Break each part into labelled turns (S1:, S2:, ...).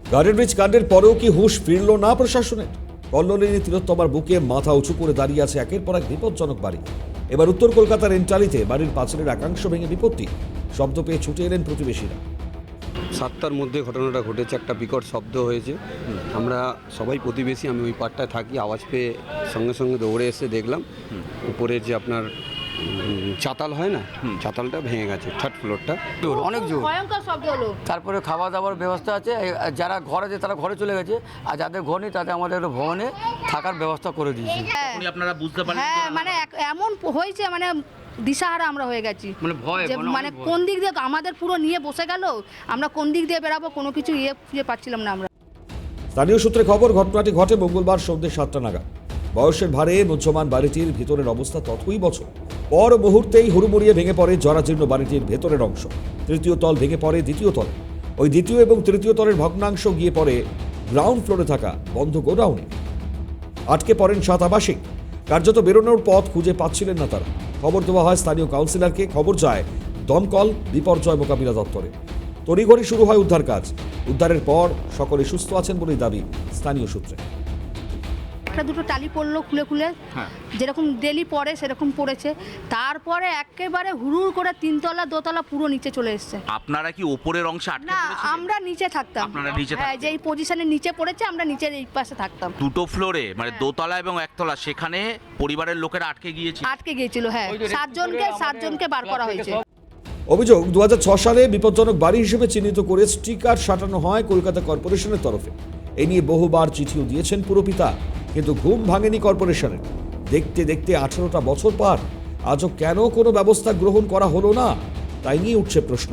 S1: Garden bridge কাণ্ডের পরেও কি হুঁশ ফিরল না প্রশাসনের? কল্লোলিনী তিলোত্তমার বুকে মাথা উঁচু করে দাঁড়িয়ে আছে একের পর এক বিপজ্জনক বাড়ি। এবার উত্তর কলকাতার এন্টালিতে বাড়ির পাঁচিলের একাংশ ভেঙে বিপত্তি। শব্দ পেয়ে ছুটে এলেন প্রতিবেশীরা।
S2: 7টার মধ্যে ঘটনাটা ঘটেছে, একটা বিকট শব্দ হয়েছে। আমরা সবাই প্রতিবেশী, আমি ওই পাড়টায় থাকি, আওয়াজ পেয়ে সঙ্গে সঙ্গে দৌড়ে এসে দেখলাম উপরে যে আপনার চাতাল হয় না, চাতালটা ভেঙে গেছে, থার্ড ফ্লোরটা।
S3: অনেক জোর,
S4: ভয়ঙ্কর শব্দ হলো।
S3: তারপরে খাওয়া দাওয়ার ব্যবস্থা আছে, যারা ঘর আছে তারা ঘরে চলে গেছে, আর যাদের ঘর নেই তাদের আমাদের ভবনে থাকার ব্যবস্থা করে দিয়েছি।
S5: আপনারা বুঝতে পারলেন?
S4: হ্যাঁ, মানে এমন হয়েছে, মানে দিশাহারা আমরা হয়ে গেছি।
S3: মানে ভয়,
S4: যে মানে কোন দিক দিয়ে আমাদের পুরো নিয়ে বসে গেল, আমরা কোন দিক দিয়ে বেরাবো কোনো কিছু খুঁজে পাচ্ছিলাম না আমরা।
S1: স্থানীয় সূত্রে খবর, ঘটনাটি ঘটে মঙ্গলবার সন্ধ্যে 7টা নাগাদ। বয়সের ভারে মুহ্যমান বাড়িটির ভিতরের অবস্থা ততই বছর। পর মুহূর্তেই হুড়মুড়িয়ে ভেঙে পড়ে জরাজীর্ণ বাড়িটির ভেতরের অংশ। তৃতীয় তল ভেঙে পড়ে দ্বিতীয় তলে। ওই দ্বিতীয় এবং তৃতীয় তলের ভগ্নাংশ গিয়ে পড়ে গ্রাউন্ড ফ্লোরে থাকা বন্ধ গোডাউনে। আটকে পড়েন 7 আবাসিক। কার্যত বেরোনোর পথ খুঁজে পাচ্ছিলেন না তারা। খবর দেওয়া হয় স্থানীয় কাউন্সিলরকে, খবর যায় দমকল বিপর্যয় মোকাবিলা দপ্তরে। তড়িঘড়ি শুরু হয় উদ্ধার কাজ। উদ্ধারের পর সকলে সুস্থ আছেন বলেই দাবি স্থানীয় সূত্রে।
S4: একটা দুটো টালি পড়লো খুলে খুলে, যেরকম ডেলি পড়ে সেরকম পড়েছে। তারপরে একেবারে হুড়ুর করে 3তলা 2তলা পুরো নিচে চলে এসছে।
S5: আপনারা কি উপরের অংশে আটকে
S4: না,
S5: পড়েছিলেন?
S4: আমরা নিচে থাকতাম।
S5: আপনারা নিচে
S4: হ্যাঁ,
S5: থাকতেন?
S4: যে এই পজিশনে নিচে পড়েছে, আমরা নিচের এই পাশে থাকতাম।
S5: দুটো ফ্লোরে, মানে দোতলা এবং একতলা, সেখানে পরিবারের লোকেরা আটকে গিয়েছে।
S4: আটকে গিয়েছিল, হ্যাঁ। 7জনকে বার করা হয়েছে।
S1: অভিযোগ, 2006 সালে বিপজ্জনক বাড়ি হিসেবে চিহ্নিত করে স্টিকার সাটানো হয় কলকাতা কর্পোরেশনের তরফে। এ নিয়ে বহুবার চিঠিও দিয়েছেন পুরপিতা, কিন্তু ঘুম ভাঙেনি কর্পোরেশনের। দেখতে দেখতে 18টা বছর পার, আজও কেন কোনো ব্যবস্থা গ্রহণ করা হলো না, তাই নিয়ে উঠছে প্রশ্ন।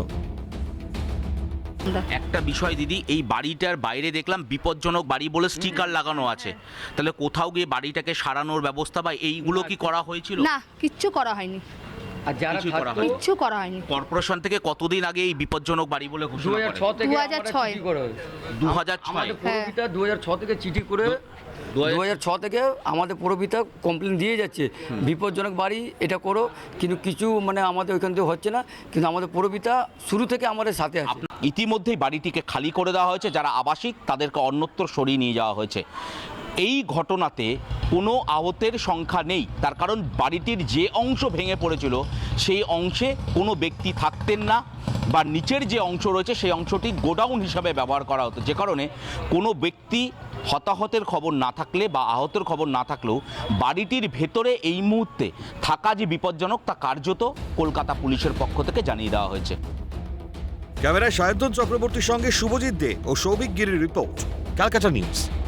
S5: একটা বিষয় দিদি, এই বাড়িটার বাইরে দেখলাম বিপজ্জনক বাড়ি বলে স্টিকার লাগানো আছে। তাহলে কোথাও গিয়ে বাড়িটাকে সারানোর ব্যবস্থা বা এইগুলো কি করা হয়েছিল?
S4: না, কিচ্ছু করা হয়নি,
S3: আর যারা
S5: কিছুই করা হয়নি।
S4: কিচ্ছু করা হয়নি।
S5: কর্পোরেশন থেকে কতদিন আগে এই বিপজ্জনক বাড়ি বলে ঘোষণা করে?
S3: 2006 থেকে
S4: 2006
S3: চিঠি করে
S5: 2006
S3: আমাদের পুরপিতা 2006 থেকে চিঠি করে 2006 থেকে আমাদের পুরপিতা কমপ্লেন দিয়ে যাচ্ছে বিপজ্জনক বাড়ি এটা করো, কিন্তু কিছু মানে আমাদের ওইখান থেকে হচ্ছে না। কিন্তু আমাদের পুরপিতা শুরু থেকে আমাদের সাথে আছে।
S5: ইতিমধ্যেই বাড়িটিকে খালি করে দেওয়া হয়েছে, যারা আবাসিক তাদেরকে অন্যত্র সরিয়ে নিয়ে যাওয়া হয়েছে। এই ঘটনাতে কোনো আহতের সংখ্যা নেই, তার কারণ বাড়িটির যে অংশ ভেঙে পড়েছিল সেই অংশে কোনো ব্যক্তি থাকতেন না, বা নিচের যে অংশ রয়েছে সেই অংশটি গোডাউন হিসাবে ব্যবহার করা হতো, যে কারণে কোনো ব্যক্তি হতাহতের খবর না থাকলে বা আহতের খবর না থাকলেও বাড়িটির ভেতরে এই মুহূর্তে থাকা যে বিপজ্জনক তা কার্যত কলকাতা পুলিশের পক্ষ থেকে জানিয়ে দেওয়া হয়েছে।
S1: ক্যামেরায় সায়ন্তন চক্রবর্তীর সঙ্গে শুভজিৎ দে ও সৌভিক গিরির রিপোর্ট, ক্যালকাটা নিউজ।